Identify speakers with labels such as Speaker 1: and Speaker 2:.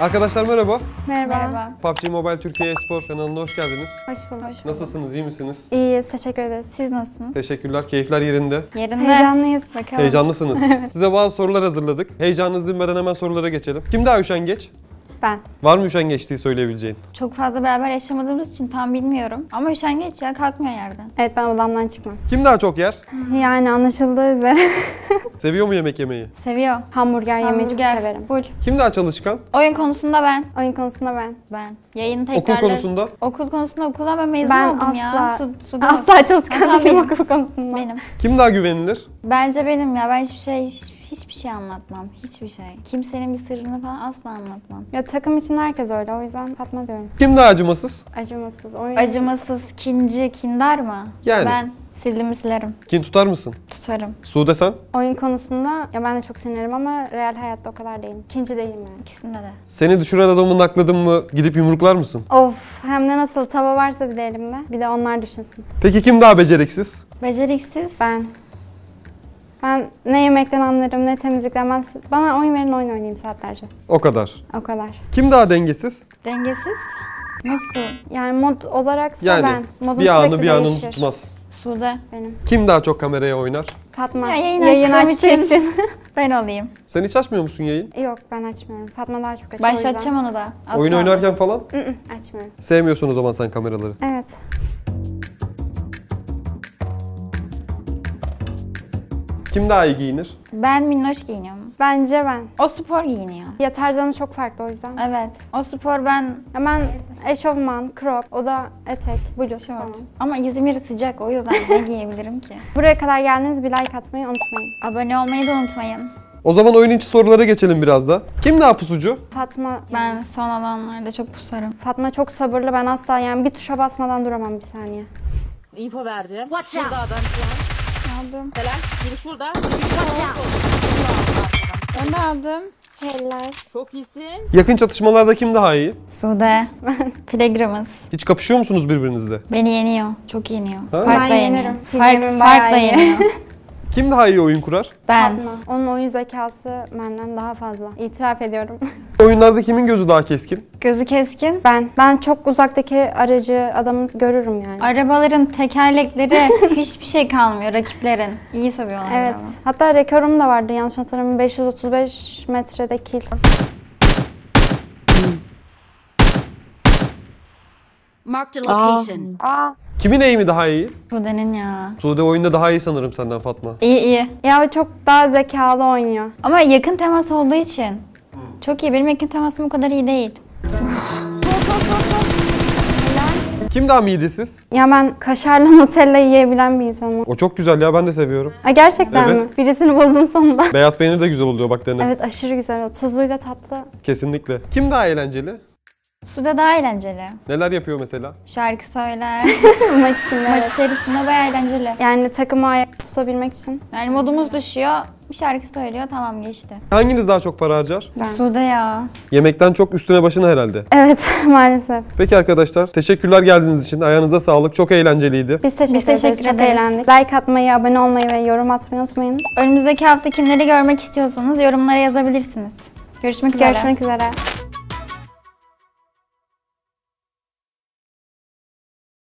Speaker 1: Arkadaşlar merhaba.
Speaker 2: Merhaba.
Speaker 1: PUBG Mobile Türkiye Espor kanalına hoş geldiniz.
Speaker 2: Hoş bulduk.
Speaker 1: Nasılsınız, iyi misiniz?
Speaker 2: İyiyiz, teşekkür ederiz. Siz nasılsınız?
Speaker 1: Teşekkürler, keyifler yerinde.
Speaker 2: Yerinde. Heyecanlıyız. Bakalım.
Speaker 1: Heyecanlısınız. Size bazı sorular hazırladık. Heyecanınız dinmeden hemen sorulara geçelim. Kim daha üşengeç?
Speaker 2: Ben.
Speaker 1: Var mı üşengeçliği söyleyebileceğin?
Speaker 3: Çok fazla beraber yaşamadığımız için tam bilmiyorum. Ama üşengeç ya, kalkmıyor yerden.
Speaker 2: Evet, ben odamdan çıkmam.
Speaker 1: Kim daha çok yer?
Speaker 2: Yani anlaşıldığı üzere
Speaker 1: Seviyor mu yemek yemeyi?
Speaker 3: Seviyor.
Speaker 2: hamburger yemeyi çok severim.
Speaker 3: Full.
Speaker 1: Kim daha çalışkan?
Speaker 3: Oyun konusunda ben.
Speaker 2: Oyun konusunda ben.
Speaker 3: Yayın tekrarları.
Speaker 1: Okul konusunda?
Speaker 3: Okul konusunda okuldan ben mezun
Speaker 2: Ben
Speaker 3: oldum ya.
Speaker 2: asla,
Speaker 3: Suda
Speaker 2: asla çalışkan
Speaker 3: Asla
Speaker 2: değilim
Speaker 3: benim.
Speaker 2: okul konusunda.
Speaker 3: benim.
Speaker 1: Kim daha güvenilir?
Speaker 3: Bence benim ya. Ben hiçbir şey anlatmam. Hiçbir şey. Kimsenin bir sırrını falan asla anlatmam.
Speaker 2: Ya takım için herkes öyle, o yüzden Fatma diyorum.
Speaker 1: Kim daha acımasız?
Speaker 2: Acımasız. Oyun...
Speaker 3: Acımasız, kinci, kindar mı?
Speaker 1: Yani.
Speaker 3: Ben sildiğimi silerim.
Speaker 1: Kin tutar mısın?
Speaker 3: Tutarım.
Speaker 1: Sude sen?
Speaker 2: Oyun konusunda ya ben de çok sinirlerim ama real hayatta o kadar değilim. İkinci değilim yani.
Speaker 3: İkisinde de.
Speaker 1: Seni düşüren adamı nakladın mı gidip yumruklar mısın?
Speaker 2: Of, hem de nasıl tava varsa bir de elimde. Bir de onlar düşünsün.
Speaker 1: Peki kim daha beceriksiz?
Speaker 3: Beceriksiz.
Speaker 2: Ben ne yemekten anlarım ne temizlikten. Bana oyun verin, oyun oynayayım saatlerce.
Speaker 1: O kadar.
Speaker 2: O kadar.
Speaker 1: Kim daha dengesiz?
Speaker 3: Dengesiz. Nasıl?
Speaker 2: Yani mod olaraksa
Speaker 1: Yani
Speaker 2: ben. Modum
Speaker 1: bir anı
Speaker 2: sürekli
Speaker 1: bir anını
Speaker 2: değişir.
Speaker 1: tutmaz.
Speaker 3: Sude.
Speaker 2: Benim.
Speaker 1: Kim daha çok kameraya oynar?
Speaker 2: Fatma.
Speaker 3: Ya yayın
Speaker 2: Yayın
Speaker 3: açtığım
Speaker 2: açtığı
Speaker 3: için.
Speaker 2: için.
Speaker 3: Ben olayım.
Speaker 1: Sen hiç açmıyor musun yayın?
Speaker 2: Yok, ben açmıyorum. Fatma daha çok açıyor.
Speaker 3: Başlatacağım onu da. Asla.
Speaker 1: Oyun oynarken falan?
Speaker 2: Açmıyorum.
Speaker 1: Sevmiyorsun o zaman sen kameraları.
Speaker 2: Evet.
Speaker 1: Kim daha iyi giyinir?
Speaker 3: Ben minnoş giyiniyorum.
Speaker 2: Bence ben.
Speaker 3: O spor giyiniyor.
Speaker 2: Ya tarzlarım çok farklı o yüzden.
Speaker 3: Evet. O spor ben
Speaker 2: Ya ben eşofman, crop, o da etek, bluz falan.
Speaker 3: şort. Ama İzmir sıcak, o yüzden ne giyebilirim ki?
Speaker 2: Buraya kadar geldiniz, bir like atmayı unutmayın.
Speaker 3: Abone olmayı da unutmayın.
Speaker 1: O zaman oyun içi sorulara geçelim biraz da. Kim daha pusucu?
Speaker 2: Fatma,
Speaker 3: Ben son alanlarda çok pusarım.
Speaker 2: Fatma çok sabırlı. Ben asla yani bir tuşa basmadan duramam bir saniye.
Speaker 4: İpo vereceğim. Şurada adam şu an.
Speaker 3: Aldım.
Speaker 4: Helal. Biri şurada. Biri şurada.
Speaker 3: Onu da aldım.
Speaker 2: Helal.
Speaker 4: Çok iyisin.
Speaker 1: Yakın çatışmalarda kim daha iyi?
Speaker 3: Sude. Pilgrim'ız.
Speaker 1: Hiç kapışıyor musunuz birbirinizle?
Speaker 3: Beni yeniyor. Çok yeniyor.
Speaker 1: Ha?
Speaker 3: Farkla
Speaker 2: Ben
Speaker 3: yeniyor.
Speaker 2: yenirim. Team'imin bayağı
Speaker 3: Farkla
Speaker 2: iyi.
Speaker 3: yeniyor.
Speaker 1: Kim daha iyi oyun kurar?
Speaker 3: Ben.
Speaker 2: Fatma. Onun oyun zekası benden daha fazla. İtiraf ediyorum.
Speaker 1: Oyunlarda kimin gözü daha keskin?
Speaker 3: Gözü keskin.
Speaker 2: Ben çok uzaktaki aracı adamı görürüm yani.
Speaker 3: Arabaların tekerlekleri hiçbir şey kalmıyor rakiplerin. İyi sövüyorlar
Speaker 2: Evet.
Speaker 3: ama.
Speaker 2: Hatta rekorum da vardı yanlış hatırlamıyorum. 535 metrede kill.
Speaker 5: Marked a location.
Speaker 1: Kimin eğimi daha iyi?
Speaker 3: Sude'nin ya.
Speaker 1: Sude oyunda daha iyi sanırım senden Fatma.
Speaker 3: İyi.
Speaker 2: Ya o çok daha zekalı oynuyor.
Speaker 3: Ama yakın temas olduğu için. Çok iyi. Benim yakın temasım o kadar iyi değil.
Speaker 1: Kim daha midesiz?
Speaker 2: Ya ben kaşarla Nutella yiyebilen bir insanım.
Speaker 1: O çok güzel ya, ben de seviyorum.
Speaker 2: Ha, gerçekten
Speaker 1: Evet.
Speaker 2: mi? Birisini buldum sonunda.
Speaker 1: Beyaz peynir de güzel oluyor bak dene.
Speaker 2: Evet, aşırı güzel. Tuzluyla tatlı.
Speaker 1: Kesinlikle. Kim daha eğlenceli?
Speaker 3: Sude daha eğlenceli.
Speaker 1: Neler yapıyor mesela?
Speaker 3: Şarkı söyler.
Speaker 2: Maç için
Speaker 3: Maç içerisinde bayağı eğlenceli.
Speaker 2: Yani takımı ayakta tutabilmek için.
Speaker 3: Yani modumuz düşüyor. Bir şarkı söylüyor. Tamam, geçti.
Speaker 1: Hanginiz daha çok para harcar?
Speaker 2: Ben.
Speaker 3: Sude ya.
Speaker 1: Yemekten çok üstüne başına herhalde.
Speaker 2: Evet, maalesef.
Speaker 1: Peki arkadaşlar, teşekkürler geldiğiniz için. Ayağınıza sağlık. Çok eğlenceliydi.
Speaker 2: Biz teşekkür,
Speaker 3: teşekkür
Speaker 2: ederiz. Çok
Speaker 3: ederiz.
Speaker 2: eğlendik. Like atmayı, abone olmayı ve yorum atmayı unutmayın.
Speaker 3: Önümüzdeki hafta kimleri görmek istiyorsanız yorumlara yazabilirsiniz. Görüşmek üzere.
Speaker 2: Görüşmek üzere.